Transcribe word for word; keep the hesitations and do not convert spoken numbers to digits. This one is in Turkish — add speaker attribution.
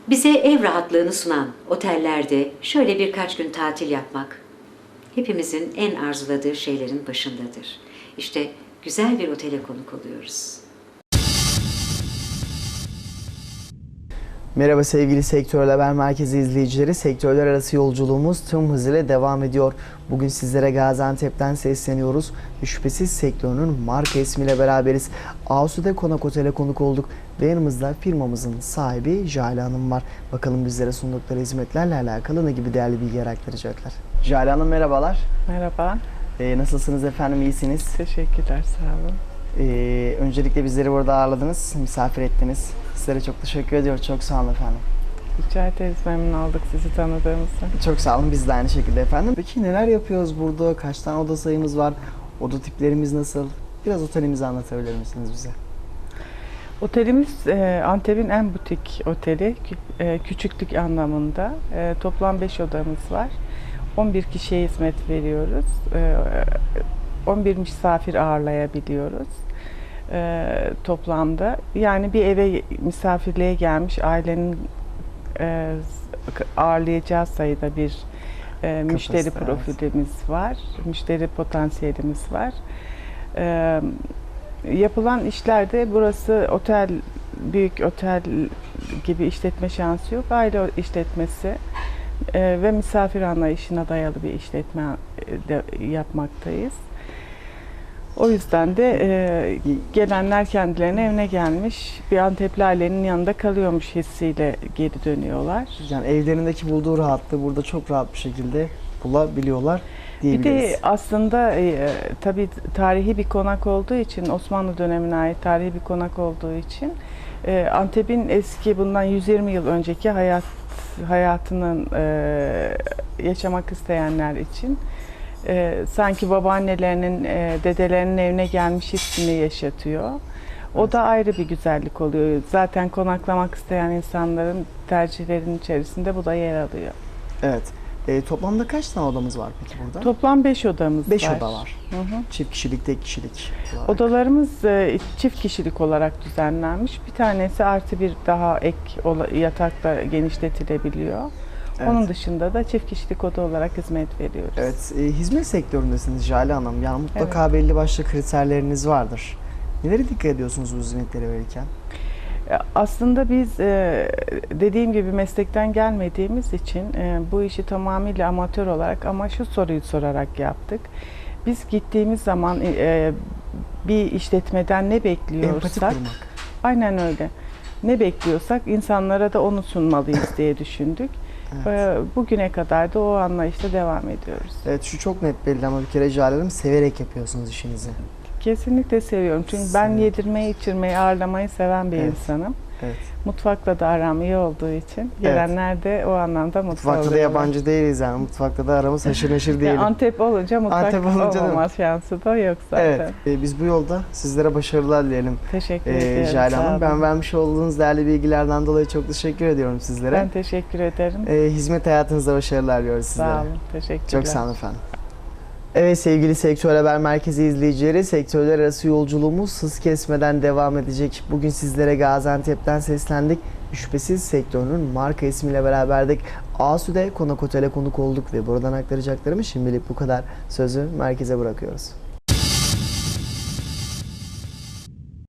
Speaker 1: Bize ev rahatlığını sunan otellerde şöyle birkaç gün tatil yapmak hepimizin en arzuladığı şeylerin başındadır. İşte güzel bir otele konuk oluyoruz.
Speaker 2: Merhaba sevgili Sektörler Haber Merkezi izleyicileri. Sektörler arası yolculuğumuz tüm hızıyla devam ediyor. Bugün sizlere Gaziantep'ten sesleniyoruz. Şüphesiz sektörünün marka ismiyle beraberiz. Asude Konak Otel'e konuk olduk ve yanımızda firmamızın sahibi Jale Hanım var. Bakalım bizlere sundukları hizmetlerle alakalı ne gibi değerli bilgiler aktaracaklar. Jale Hanım merhabalar.
Speaker 3: Merhaba.
Speaker 2: Ee, nasılsınız efendim, iyisiniz?
Speaker 3: Teşekkürler, sağ olun.
Speaker 2: Ee, öncelikle bizleri burada ağırladınız, misafir ettiniz. Sizlere çok teşekkür ediyoruz. Çok sağ olun efendim.
Speaker 3: Rica ederiz, memnun olduk sizi tanıdığımızda.
Speaker 2: Çok sağ olun, biz de aynı şekilde efendim. Peki neler yapıyoruz burada? Kaç tane oda sayımız var? Oda tiplerimiz nasıl? Biraz otelimizi anlatabilir misiniz bize?
Speaker 3: Otelimiz e, Antep'in en butik oteli, Kü- e, küçüklük anlamında. E, toplam beş odamız var. on bir kişiye hizmet veriyoruz. E, on bir misafir ağırlayabiliyoruz e, toplamda. Yani bir eve misafirliğe gelmiş ailenin e, ağırlayacağı sayıda bir e, müşteri
Speaker 2: Kapasite,
Speaker 3: profilimiz var, müşteri potansiyelimiz var. E, yapılan işlerde burası otel, büyük otel gibi işletme şansı yok. Aile işletmesi e, ve misafir anlayışına dayalı bir işletme e, de yapmaktayız. O yüzden de e, gelenler kendilerine evine gelmiş, bir Antepli ailenin yanında kalıyormuş hissiyle geri dönüyorlar.
Speaker 2: Yani evlerindeki bulduğu rahatlığı burada çok rahat bir şekilde bulabiliyorlar
Speaker 3: Bir
Speaker 2: diyebiliriz.
Speaker 3: de aslında e, tabii tarihi bir konak olduğu için, Osmanlı dönemine ait tarihi bir konak olduğu için e, Antep'in eski, bundan yüz yirmi yıl önceki hayat hayatının e, yaşamak isteyenler için e, sanki babaannelerinin, e, dedelerinin evine gelmiş hissini yaşatıyor. O
Speaker 2: Evet.
Speaker 3: da ayrı bir güzellik oluyor. Zaten konaklamak isteyen insanların tercihlerinin içerisinde bu da yer alıyor.
Speaker 2: Evet. E, toplamda kaç tane odamız var peki burada?
Speaker 3: Toplam beş odamız
Speaker 2: beş
Speaker 3: var.
Speaker 2: oda var.
Speaker 3: Hı hı.
Speaker 2: Çift kişilik, tek kişilik olarak.
Speaker 3: Odalarımız e, çift kişilik olarak düzenlenmiş. Bir tanesi artı bir daha ek ola- yatakta genişletilebiliyor.
Speaker 2: Evet.
Speaker 3: Onun dışında da çift kişilik oda olarak hizmet veriyoruz.
Speaker 2: Evet, e, hizmet sektöründesiniz Jale Hanım. Yani mutlaka belli başlı kriterleriniz vardır. Nelere dikkat ediyorsunuz bu hizmetleri verirken?
Speaker 3: E, Aslında biz e, dediğim gibi meslekten gelmediğimiz için e, bu işi tamamıyla amatör olarak ama şu soruyu sorarak yaptık. Biz gittiğimiz zaman e, bir işletmeden ne
Speaker 2: Empati
Speaker 3: bekliyorsak,
Speaker 2: kurmak.
Speaker 3: aynen öyle. Ne bekliyorsak insanlara da onu sunmalıyız diye düşündük.
Speaker 2: Evet.
Speaker 3: E, Bugüne kadar da o anlayışla devam ediyoruz.
Speaker 2: Evet, şu çok net belli ama bir kere Jale Hanım severek yapıyorsunuz işinizi.
Speaker 3: Kesinlikle seviyorum. Çünkü ben
Speaker 2: Seviyorum.
Speaker 3: yedirmeyi, içirmeyi, ağırlamayı seven bir
Speaker 2: Evet.
Speaker 3: insanım.
Speaker 2: Evet.
Speaker 3: Mutfakla da aram iyi olduğu için gelenler de o anlamda mutlu
Speaker 2: Mutfakta da
Speaker 3: oluyorlar.
Speaker 2: yabancı değiliz yani. Mutfakta da aramız haşır neşir
Speaker 3: Yani
Speaker 2: diyelim.
Speaker 3: Antep olunca mutfak
Speaker 2: Antep olunca da-
Speaker 3: olmama şansı da yok zaten.
Speaker 2: Evet, e, biz bu yolda sizlere başarılar dileyelim.
Speaker 3: Teşekkür
Speaker 2: E,
Speaker 3: ederim.
Speaker 2: Jale
Speaker 3: sağ
Speaker 2: Hanım,
Speaker 3: olun.
Speaker 2: ben vermiş olduğunuz değerli bilgilerden dolayı çok teşekkür ediyorum sizlere.
Speaker 3: Ben teşekkür ederim.
Speaker 2: E, hizmet hayatınızda başarılar diliyoruz sizlere.
Speaker 3: Sağ olun. Teşekkürler.
Speaker 2: Çok sağ olun efendim. Evet sevgili Sektör Haber Merkezi izleyicileri, sektörler arası yolculuğumuz hız kesmeden devam edecek. Bugün sizlere Gaziantep'ten seslendik. Şüphesiz sektörünün marka ismiyle beraberdik. Asude Konak Otel'e konuk olduk ve buradan aktaracaklarımı şimdilik bu kadar. Sözü merkeze bırakıyoruz.